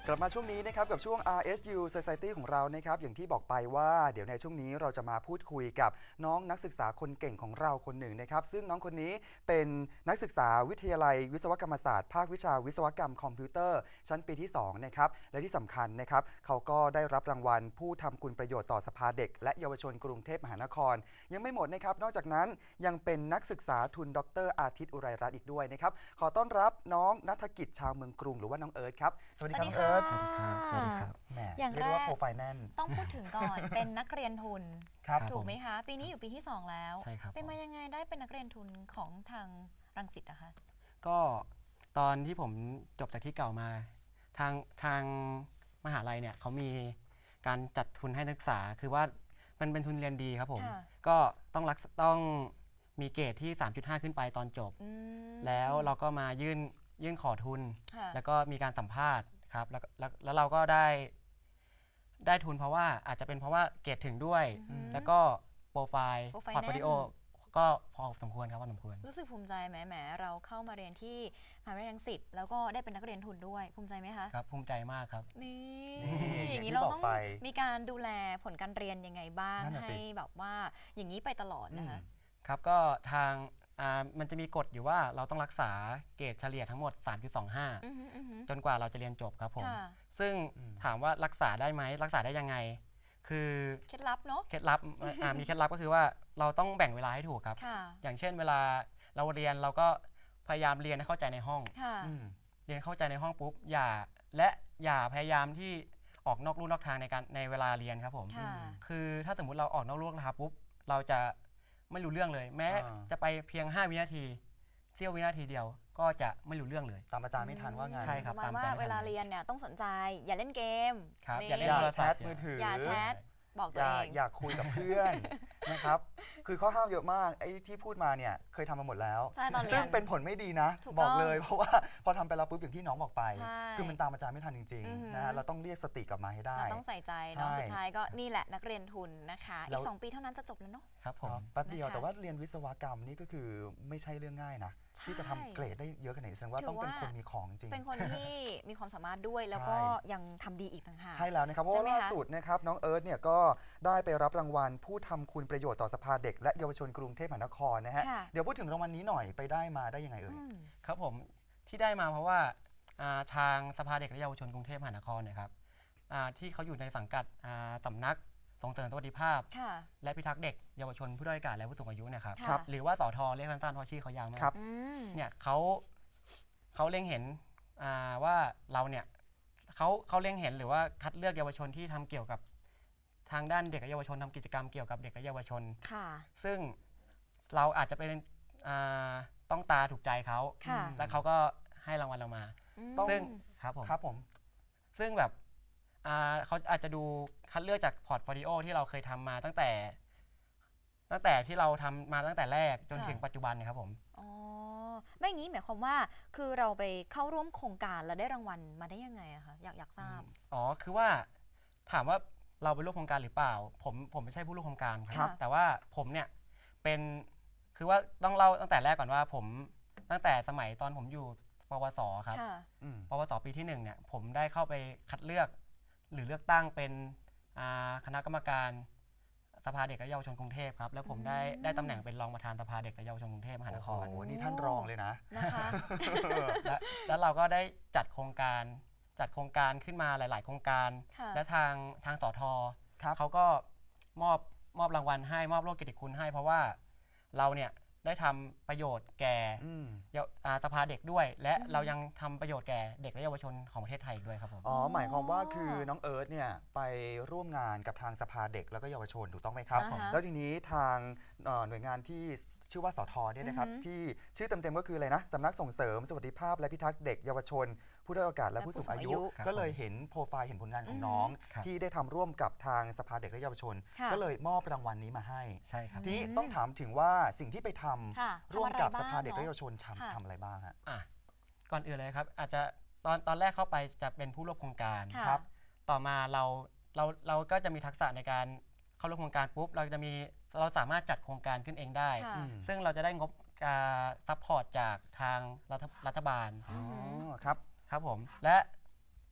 กลับมาช่วงนี้นะครับกับช่วง RSU Society ของเรานะครับอย่างที่บอกไปว่าเดี๋ยวในช่วงนี้เราจะมาพูดคุยกับน้องนักศึกษาคนเก่งของเราคนหนึ่งนะครับซึ่งน้องคนนี้เป็นนักศึกษาวิทยาลัยวิศวกรรมศาสตร์ภาควิชาวิศวกรรมคอมพิวเตอร์ชั้นปีที่2นะครับและที่สำคัญนะครับเขาก็ได้รับรางวัลผู้ทำคุณประโยชน์ต่อสภาเด็กและเยาวชนกรุงเทพมหานครยังไม่หมดนะครับนอกจากนั้นยังเป็นนักศึกษาทุนดร.อาทิตย์อุไรรัตน์อีกด้วยนะครับขอต้อนรับน้องณัฐกิจชาวเมืองกรุงหรือว่าน้องเอิร์ธครับสวัสดีครับน้องเอิร์ธสวัสดีครับสวัสดีครับแหมอย่างเรียกแรว่าก โปรไฟล์แน่นต้องพูดถึงก่อน เป็นนักเรียนทุนครับถูกไหมคะ ปีนี้อยู่ปีที่ 2 แล้วใช่ครับเป็นมายังไงได้เป็นนักเรียนทุนของทางรังสิตนะคะก็ตอนที่ผมจบจากที่เก่ามาทางมหาลัยเนี่ยเขามีการจัดทุนให้นักศึกษาคือว่ามันเป็นทุนเรียนดีครับผมค่ะก็ต้องมีเกรดที่ 3.5 ขึ้นไปตอนจบอืมแล้วเราก็มายื่นขอทุนค่ะแล้วก็มีการสัมภาษณ์ครับแล้วเราก็ได้ทุนเพราะว่าอาจจะเป็นเพราะว่าเกรดถึงด้วยอืมแล้วก็โปรไฟล์โปรไฟล์พอร์ตโฟลิโอแน่นก็พอสมควรครับพอสมควรรู้สึกภูมิใจไหมเราเข้ามาเรียนที่มหาวิทยาลัยรังสิตแล้วก็ได้เป็นนักเรียนทุนด้วยภูมิใจไหมคะครับภูมิใจมากครับนี่นี่อย่างนี้อย่างที่เราบอกต้องไปมีการดูแลผลการเรียนยังไงบ้างนั่นน่ะสิให้แบบว่าอย่างนี้ไปตลอดนะคะครับก็มันจะมีกฎอยู่ว่าเราต้องรักษาเกรดเฉลี่ยทั้งหมด 3.25 อือหืออือหือจนกว่าเราจะเรียนจบครับผมค่ะซึ่งถามว่ารักษาได้ไหมรักษาได้ยังไง คือเคล็ดลับเนาะเคล็ดลับมีเคล็ดลับก็คือว่าเราต้องแบ่งเวลาให้ถูกครับค่ะอย่างเช่นเวลาเราเรียนเราก็พยายามเรียนให้เข้าใจในห้องค่ะอืมเรียนเข้าใจในห้องปุ๊บอย่าพยายามที่ออกนอกลู่นอกทางในเวลาเรียนครับผมค่ะคือถ้าสมมุติเราออกนอกลู่นอกทางปุ๊บเราจะไม่รู้เรื่องเลย แม้อ่าจะไปเพียง 5 วินาทีเสี้ยววินาทีเดียวก็จะไม่รู้เรื่องเลยตามอาจารย์ไม่ทันว่าไงใช่ครับประมาณว่าเวลาเรียนเนี่ยต้องสนใจอย่าเล่นเกมครับนี่อย่าเล่อน ย่าโทรแชศัพทท์มือถืออย่าแชทบอกอตัวย่าเองอย่าคุยกับเพื่อนนะครับคือข้อห้ามเยอะมากไอ้ที่พูดมาเนี่ยเคยทำมาหมดแล้วใช่ตอนเรียนซึ่งเป็นผลไม่ดีนะถูกบอกต้องเลยเพราะว่าพอทำไปแล้วปุ๊บอย่างที่น้องบอกไปใช่คือมันตามอาจารย์ไม่ทันจริงอือหือๆนะฮะเราต้องเรียกสติกลับมาให้ได้เราต้องใส่ใจเนาะใช่สุดท้ายก็นี่แหละนักเรียนทุนนะคะแล้อีวก 2 ปีเท่านั้นจะจบแล้วเนาะครับผมเนาะแป๊บเดียวนะคะแต่ว่าเรียนวิศวกรรมนี่ก็คือไม่ใช่เรื่องง่ายนะใช่ที่จะทำเกรดได้เยอะขนาดนี้แสดงว่าถือต้องเป็นว่าคนมีของจริงเป็นคนที่มีความสามารถด้วยแล้วก็ยังทำดีอีกต่างหากใช่แล้วนะครับเพราะว่าใช่ไหมคะล่าสุดนะครับน้องเอิร์ธเนี่ยก็ได้ไปรับรางวัลผู้ทำคุณประโยชน์ต่อสภาเด็กและเยาวชนกรุงเทพมหานครนะฮะค่ะเดี๋ยวพูดถึงรางวัลนี้หน่อยไปได้มาได้ยังไงเอ่ยอืมครับผมที่ได้มาเพราะว่าทางสภาเด็กและเยาวชนกรุงเทพมหานครเนี่ยครับที่เขาอยู่ในสังกัดสำนักส่งเสริมสวัสดิภาพค่ะและพิทักษ์เด็กเยาวชนผู้ด้อยโอกาสและผู้สูงอายุเนะครับค่ะหรือว่าสทเรียกสั้นๆเพราะชื่อเขายาวมากครับอืมเนี่ยเขาเล็งเห็นว่าเราเนี่ยเขาเล็งเห็นหรือว่าคัดเลือกเยาวชนที่ทำเกี่ยวกับทางด้านเด็กและเยาวชนทำกิจกรรมเกี่ยวกับเด็กและเยาวชนค่ะซึ่งเราอาจจะเป็นต้องตาถูกใจเขาค่ะแล้วเขาก็ให้รางวัลเรามาต้องซึ่งครับผมครับผมซึ่งแบบเขาอาจจะดูคัดเลือกจากพอร์ตโฟลิโอที่เราเคยทำมาตั้งแต่ที่เราทำมาตั้งแต่แรกจนถึงปัจจุบันนะครับผมอ๋อไม่อย่างนี้หมายความว่าคือเราไปเข้าร่วมโครงการแล้วได้รางวัลมาได้ยังไงอะคะอยากทราบอ๋อคือว่าถามว่าเราเป็นร่วมโครงการหรือเปล่าผมไม่ใช่ผู้ร่วมโครงการคครัรับ แต่ว่าผมเนี่ยเป็นคือว่าต้องเล่าตั้งแต่แรกก่อนว่าผมตั้งแต่สมัยตอนผมอยู่ปวสครับค่ะอืมปวสปีที่1เนี่ยผมได้เข้าไปคัดเลือกหรือเลือกตั้งเป็นคณะกรรมการสภาเด็กและเยาวชนกรุงเทพครับแล้วผมได้ตำแหน่งเป็นรองประธานสภาเด็กและเยาวชนกรุงเทพมหานครโอ้โหนี่ท่านรองเลยนะนะคะแล้วเราก็ได้จัดโครงการขึ้นมาหลาย ๆ โครงการค่ะและทางสทครับเขาก็มอบรางวัลให้มอบโล่เกียรติคุณให้เพราะว่าเราเนี่ยได้ทำประโยชน์แก่อืมสภาเด็กด้วย และเรายังทำประโยชน์แก่เด็กและเยาวชนของประเทศไทยอีกด้วยครับผมอ๋อหมายความว่าคือน้องเอิร์ธเนี่ยไปร่วมงานกับทางสภาเด็กแล้วก็เยาวชนถูกต้องไหมครับอ่าฮะแล้วทีนี้ทางหน่วยงานที่ชื่อว่าสทเนี่ยนะครับอือฮึที่ชื่อเต็มๆก็คืออะไรนะสำนักส่งเสริมสวัสดิภาพและพิทักษ์เด็กเยาวชน ผู้ด้อยโอกาสและผู้สูงอายุครับก็เลยเห็นโปรไฟล์เห็นผลงานของอือฮึน้องครับที่ได้ทำร่วมกับทางสภาเด็กและเยาวชนค่ะก็เลยมอบรางวัลนี้มาให้ใช่ครับทีนี้ต้องถามถึงว่าสิ่งที่ไปทำค่ะร่วมกับทำอะไรสภาเด็กบ้างและเยาวชนค่ะทำอะไรบ้างฮะอ่ะก่อนอื่นเลยครับอาจจะตอนแรกเข้าไปจะเป็นผู้ร่วมโครงการค่ะครับต่อมาเราก็จะมีทักษะในการเข้าร่วมโครงการปุ๊บเราสามารถจัดโครงการขึ้นเองได้ค่ะอืมซึ่งเราจะได้งบซัพพอร์ตจากทางรัฐบาลอ๋อครับครับผมและ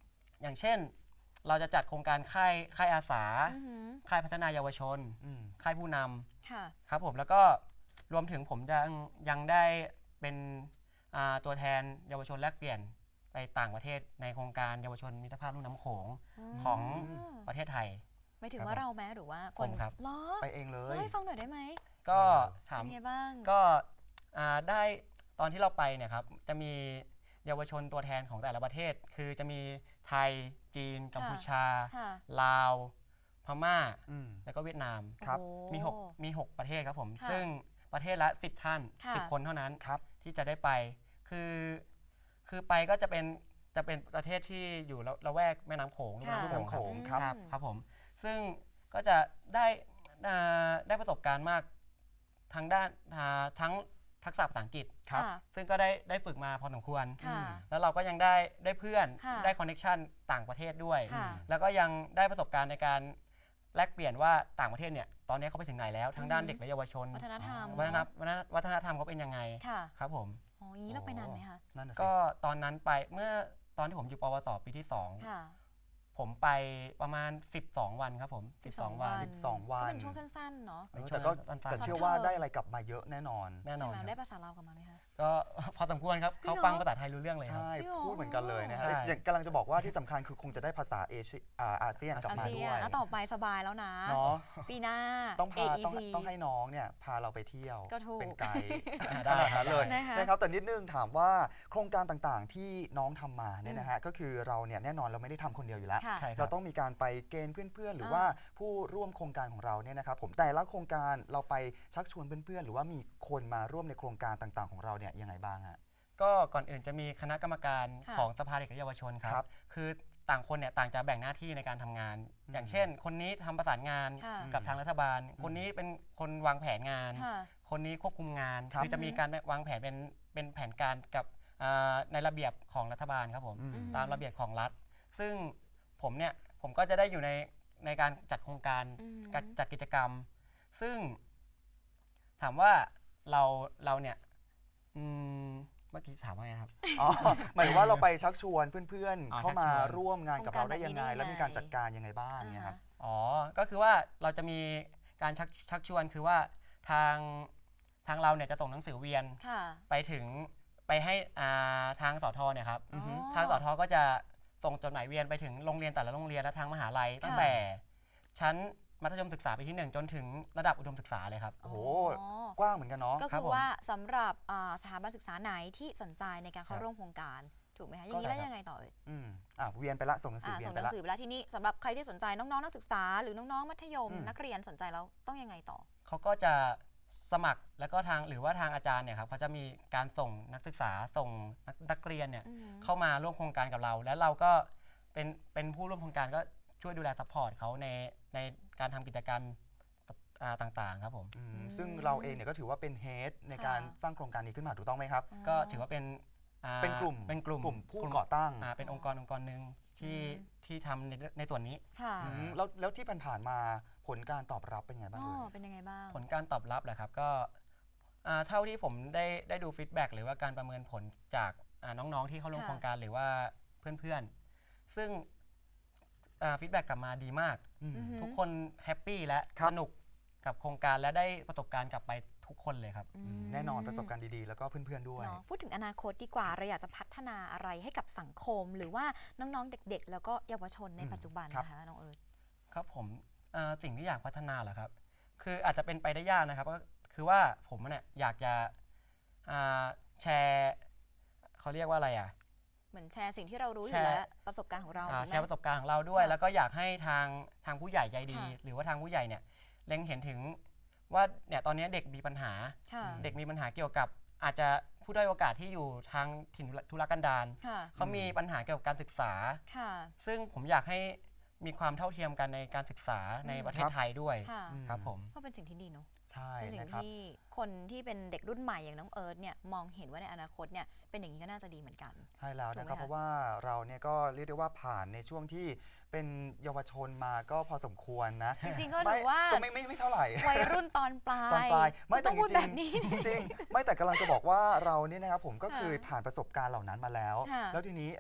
อย่างเช่นเราจะจัดโครงการค่ายอาสาอือหือค่ายพัฒนาเยาวชนอืมค่ายผู้นค่ะำครับผมแล้วก็รวมถึงผมยังได้เป็นตัวแทนเยาวชนแลกเปลี่ยนไปต่างประเทศในโครงการเยาวชนมิตรภาพลุ่มน้ำโขงของประเทศไทยไม่ถึงครับว่าเราแม้หรือว่าคผนมครับล้อไปเองเลเล่าย ให้ฟังหน่อยได้ไหมก็ถามเป็นไงบ้างก็ได้ตอนที่เราไปเนี่ยครับจะมีเยาวชนตัวแทนของแต่ละประเทศ คือจะมีไทยจีน กัมพูชาค่ะลาว พม่าอืมแล้วก็เวียดนามครับโอ้มีหกประเทศครับผมค่ะซึ่งประเทศละ10 ท่านค่ะ 10 คนเท่านั้นครับที่จะได้ไป คือไปก็จะเป็นประเทศที่อยู่ละแวกแม่น้ำโขงค่ะลุ่มแม่น้ำโขงครับครับผมซึ่งก็จะได้ประสบการณ์มากทางด้านทั้งทักษะภาษาอังกฤษครับค่ะซึ่งก็ได้ฝึกมาพอสมควรค่ะแล้วเราก็ยังได้เพื่อนค่ะได้คอนเน็ชันต่างประเทศด้วยค่ะแล้วก็ยังได้ประสบการณ์ในการแลกเปลี่ยนว่าต่างประเทศเนี่ยตอนนี้เขาไปถึงไหนแล้วทางด้านเด็กและเยาวชนวัฒนธรรมวัฒนธรรมเขาเป็นยังไงค่ะครับผมอ๋ออย่างนี้เราไปนานไหมคะนั่นน่ะสิก็ตอนนั้นไปเมื่อตอนที่ผมอยู่ปวสปีที่ค่ะ 2 ผมไปประมาณ 12 วันครับผม12 วัน 12 วัก็นเป็นช่วงสั้นๆเนาะแต่ก็สั้นๆแต่เชื่อว่าได้อะไรกลับมาเยอะแน่นอนแน่นอนใช่ไหมคได้รับภาษาลาวกลับมาไหมคะก็ พอสมควรครับจริงเหรอเขาฟังภาษาไทยรู้เรื่องเลยครับใช่จริงเหรอพูดเหมือนกันเลยนะใช่ฮะอย่างกำลังจะบอกว่าที่สำคัญคือคงจะได้ภาษาอาเซียนกลับอามาเซีด้ยวน ยแล้วต่อไปสบายแล้วนะเนาะปีหน้าต้อง AEC ให้น้องเนี่ยพาเราไปเที่ยวก็ถูกเป็นไกด์ได้ขนาดนั้นเลยนะคะนะครับแต่นิดนึงถามว่าโครงการต่างๆที่น้องทำมาเนี่ยนะฮะก็คือเราเนี่ยแน่นอนเราไม่ได้ทำคนเดียวอยู่แล้วค่ะใช่ครัเราบต้องมีการไปเกณฑ์เพื่อนๆ หรือว่าผู้ร่วมโครงการของเราเนี่ยนะครับผมแต่ละโครงการเราไปชักชวนเพื่อนๆ หรือว่ามีคนมาร่วมในโครงการต่างๆของเราเนี่ยยังไงบ้างฮะก็ก่อนอื่นจะมีคณะกรรมการค่ะของสภาเด็กและเยาวชนคครัรับบคือต่างคนเนี่ยต่างจะแบ่งหน้าที่ในการทำงาน อย่างเช่น คนนี้ทำประสานงานค่ะกับทางรัฐบาล คนนี้เป็นคนวางแผนงานค่ะคนนี้ควบคุมงานครับคือจะมีการวางแผนเป็นแผนการกับในระเบียบของรัฐบาลครับผมอืมตามระเบียบของรัฐ ซึ่งผมก็จะได้อยู่ในการจัดโครงการอืมจัดกิจกรรม ซึ่งถามว่าเราเนี่ยเมื่อกี้ถามว่าไงนะครับอ๋อหมายถึงว่าเราไปชักชวนเพื่อนอ๋อๆ เข้ามาชักชวนร่วมงานกับเราได้ยังไงโครงการแบบนี้ได้ยังไงแล้วมีการจัดการยังไงบ้างเนี่ยครับอ๋อ ก็คือว่าเราจะมีการชักชวนคือว่าทางเราเนี่ยจะส่งหนังสือเวียนค่ะไปให้ทางสทเนี่ยครับอือฮึทางสทก็จะส่งจดหมายเวียนไปถึงโรงเรียนแต่ละโรงเรียนและทางมหาลัย ตั้งแต่ชั้นมัธยมศึกษาปีที่ 1 จนถึงระดับอุดมศึกษาเลยครับโอ้โห กว้างเหมือนกันเนาะก็ครัคืบอผมว่าสำหรับสถาบันศึกษาไหนที่สนใจในการเข้าครับร่วมโครงการ ถูกไหมคะ อย่างนี้แล้วยังไงต่อเอ่ยเวียนไปละส่งหนังสือเวียส่นงไปหนัละงสือไปแล้วทีนี้สำหรับใครที่สนใจน้องๆนักศึกษา หรือน้องๆมัธยมอืมนักเรียนสนใจแล้วต้องยังไงต่อเขาก็จะสมัครแล้วก็หรือว่าทางอาจารย์เนี่ยครับเขาจะมีการส่งนักศึกษาส่งนักเรียนเนี่ยอือหือเข้ามาร่วมโครงการกับเรา แล้วเราก็เป็นผู้ร่วมโครงการก็ช่วยดูแลซัพพอร์ตเขาในการทำกิจกรรมต่างๆครับผมซึ่งเราเองเนี่ยก็ถือว่าเป็นเฮดในการสร้างโครงการนี้ขึ้นมาถูกต้องไหมครับก็ถือว่าเป็นเป็นกลุ่ม ผู้ก่อตั้งเป็นองค์กรหนึ่งที่ทำในส่วนนี้ค่ะแล้วที่ผ่านๆมาผลการตอบรับเป็นไงบ้างอ๋อเลยเป็นยังไงบ้างผลการตอบรับแหละครับก็เท่าที่ผมได้ดูฟีดแบ็กหรือว่าการประเมินผลจากน้องๆที่เข้าร่วมค่ะโครงการหรือว่าเพื่อนๆ ซึ่งฟีดแบ็กกลับมาดีมากอืมอือหือทุกคนแฮปปี้และครับสนุกกับโครงการและได้ประสบการณ์กลับไปทุกคนเลยครับแน่นอนประสบการณ์ดีๆ แล้วก็เพื่อนๆด้วยเนาะพูดถึงอนาคตดีกว่าเราอยากจะพัฒนาอะไรให้กับสังคม หรือว่าน้องๆเด็กๆ แล้วก็เยาวชนในปัจจุบันครับนะคะน้องเอิร์ธครับผมสิ่งที่อยากพัฒนาเหรอครับ คืออาจจะเป็นไปได้ยากนะครับก็คือว่าผมเนี่ยอยากจะแชร์เขาเรียกว่าอะไรอ่ะเหมือนแชร์สิ่งที่เรารู้อแชยู่ร์แล้วประสบการณ์ของเราแชร์ประสบการณ์ของเราด้วยค่ะแล้วก็อยากให้ทางผู้ใหญ่ใจดีค่ะหรือว่าทางผู้ใหญ่เนี่ยเล็งเห็นถึงว่าเนี่ยตอนนี้เด็กมีปัญหาค่ะเด็กมีปัญหาเกี่ยวกับอาจจะผู้ด้อยโอกาสที่อยู่ทางถิ่นทุรกันดารค่ะเขามีปัญหาเกี่ยวกับการศึกษาค่ะซึ่งผมอยากให้มีความเท่าเทียมกันในการศึกษาในประเทศไทยด้วยค่ะครับผมก็เป็นสิ่งที่ดีเนาะใช่เป็นสิ่งนะครับที่คนที่เป็นเด็กรุ่นใหม่อย่างน้องเอิร์ธเนี่ยมองเห็นว่าในอนาคตเนี่ยเป็นอย่างนี้ก็น่าจะดีเหมือนกันใช่แล้วนะครับถูกไหมคะเพราะว่าเราเนี่ยก็เรียกได้ว่าผ่านในช่วงที่เป็นเยาวชนมาก็พอสมควรนะจริงๆก็ถือว่าก็ไม่เท่าไหร่วัยรุ่นตอนปลายตอนปลายไม่แต่ต้องพูดจแบริงบนี้ๆจริงๆไม่แต่กำลังจะบอกว่าเราเนี่ยนะครับผมก็ค่ะเคยผ่านประสบการณ์เหล่านั้นมาแล้วค่ะแล้วทีนี้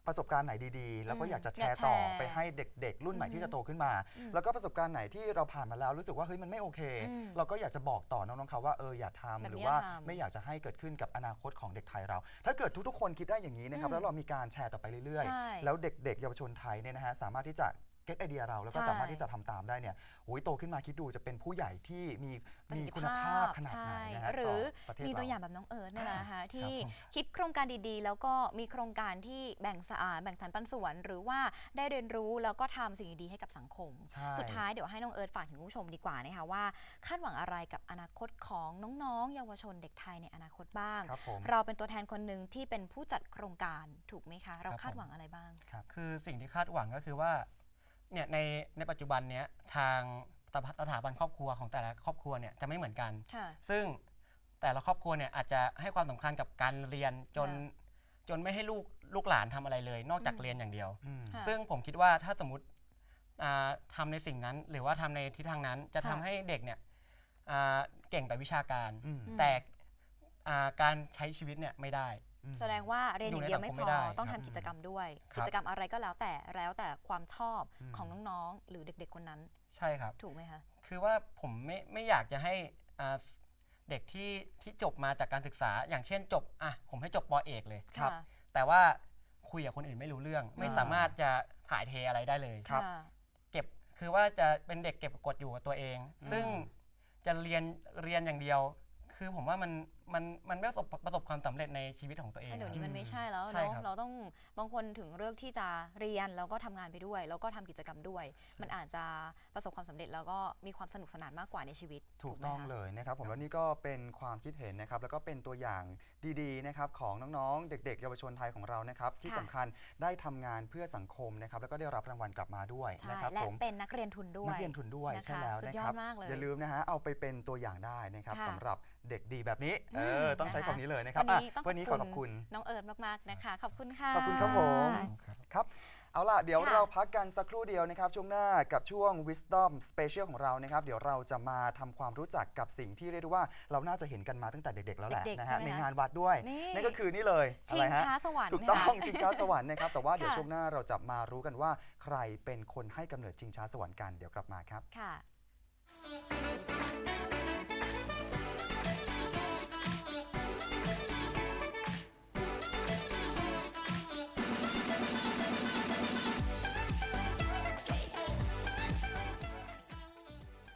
ประสบการณ์ไหนดีๆ แล้วก็อืมอยากจะแชอยากร์แชร์ต่อไปให้เด็กๆ รุ่นใหม่อือฮึที่จะโตขึ้นมาอืมแล้วก็ประสบการณ์ไหนที่เราผ่านมาแล้วรู้สึกว่าเฮ้ยมันไม่โอเคอืมเราก็อยากจะบอกต่อน้องๆเขาว่าอย่าแบบทำหรือนี้ว่าทำไม่อยากจะให้เกิดขึ้นกับอนาคตของเด็กไทยเรา ถ้าเกิดทุกๆคนคิดได้อย่างนี้นะครับอืมแล้วเรามีการแชร์ต่อไปเรื่อยใช่ๆ แล้วเด็กๆเยาวชนไทยเนี่ยนะฮะสามารถที่จะเก็ตไอเดียเราแล้วก็ใช่สามารถที่จะทำตามได้เนี่ยโอ้ยโตขึ้นมาคิดดูจะเป็นผู้ใหญ่ที่มีประสิทธิคุณภาพขนาดไหนใช่นะฮะหรือต่อประเทศมีตัวเราอย่างแบบน้องเอิร์ธเนี่ยนะคะที่ผมคิดโครงการดีๆ แล้วก็มีโครงการที่แบ่งสรรปันส่วน หรือว่าได้เรียนรู้แล้วก็ทำสิ่งดีๆให้กับสังคมใช่สุดท้ายเดี๋ยวให้น้องเอิร์ธฝากถึงผู้ชมดีกว่านะคะว่าคาดหวังอะไรกับอนาคตของน้องๆ เยาวชนเด็กไทยในอนาคตบ้างครับผมเราเป็นตัวแทนคนหนึ่งที่เป็นผู้จัดโครงการถูกไหมคะ เราครับคาดหวังอะไรบ้างคือสิ่งที่คาดหวังก็คือว่าเนี่ยในปัจจุบันเนี้ยทางสถาบันครอบครัวของแต่ละครอบครัวเนี่ยจะไม่เหมือนกันค่ะซึ่งแต่ละครอบครัวเนี่ยอาจจะให้ความสำคัญกับการเรียนจนค่จนไม่ให้ลูกหลานทำอะไรเลย นอกจากอืมเรียนอย่างเดียวอืมค่ะซึ่งผมคิดว่าถ้าสมมติทำในสิ่งนั้น หรือว่าทำในทิศทางนั้นจะทำค่ะให้เด็กเนี่ยเก่งแต่วิชาการอืมแต่การใช้ชีวิตเนี่ยไม่ได้แสดงว่าเรียนอย่างเดียวไม่อยู่พในสังคมไม่อได้ต้องครัทำบกิจกรรมด้วยครับกิจกรรมอะไรก็แล้วแต่ความชอบอืมของน้องๆ หรือเด็กๆคนนั้นใช่ครับถูกไหมคะคือว่าผมไม่อยากจะให้เด็กที่จบมาจากการศึกษา อย่างเช่นจบผมให้จบปเอกเลยครับค่ะแต่ว่าคุยกับคนอื่นไม่รู้เรื่อง ไม่อ่าสามารถจะถ่ายเทอะไรได้เลยครับค่ะเก็บคือว่าจะเป็นเด็กเก็บกดอยู่กับตัวเองอืมซึ่งจะเรียนอย่างเดียว คือผมว่ามันไม่ประสบความสำเร็จในชีวิตของตัวเองเดี๋ยวคนี้รับมันไม่ใช่แล้วใช่เนาะครับเราต้องบางคนถึงเลือกที่จะเรียนแล้วก็ทำงานไปด้วย แล้วก็ทำกิจกรรมด้วย มันอาจจะประสบความสำเร็จแล้วก็มีความสนุกสนานมากกว่าในชีวิตถูกไหมต้องคะเลยนะครับผมแล้วนี่ก็เป็นความคิดเห็นนะครับแล้วก็เป็นตัวอย่างดีๆนะครับของน้องๆ เด็กๆ เยาวชนไทยของเรานะครับที่ค่ะสำคัญได้ทำงานเพื่อสังคมนะครับแล้วก็ได้รับรางวัลกลับมาด้วยใช่นะครับและผมเป็นนักเรียนทุนด้วยนักเรียนทุนด้วยนะคะใช่แล้วสุดนะยคอรัดบมากเลยอย่าลืมนะฮะเอาไปเป็นตัวอย่างได้นะครับค่ะสำหรับเด็กดีแบบนี้อืมต้องใช้นะคะคำนี้เลยนะครับวันนี้ต้องวันนี้ขอขอบคุณน้องเอิร์ธมากๆนะคะ ขอบคุณค่ะขอบคุณครับผม ครับเอาล่ะเดี๋ยวค่ะเราพักกันสักครู่เดียวนะครับช่วงหน้ากับช่วง Wisdom Special ของเรานะครับเดี๋ยวเราจะมาทำความรู้จักกับสิ่งที่เรียกได้ว่าเราน่าจะเห็นกันมาตั้งแต่เด็กๆแล้วแหละเด็กๆนะใช่ฮะไหมในคะงานวัดด้วยนี่นั่นก็คือนี่เลยชิอะไรงฮะช้าสวรรค์ถูกต้องค่ะชิงช้าสวรรค์นะครับแต่ว่าเดี๋ยวค่ะช่วงหน้าเราจะมารู้กันว่าใครเป็นคนให้กำเนิดชิงช้าสวรรค์กันเดี๋ยวกลับมาครับค่ะ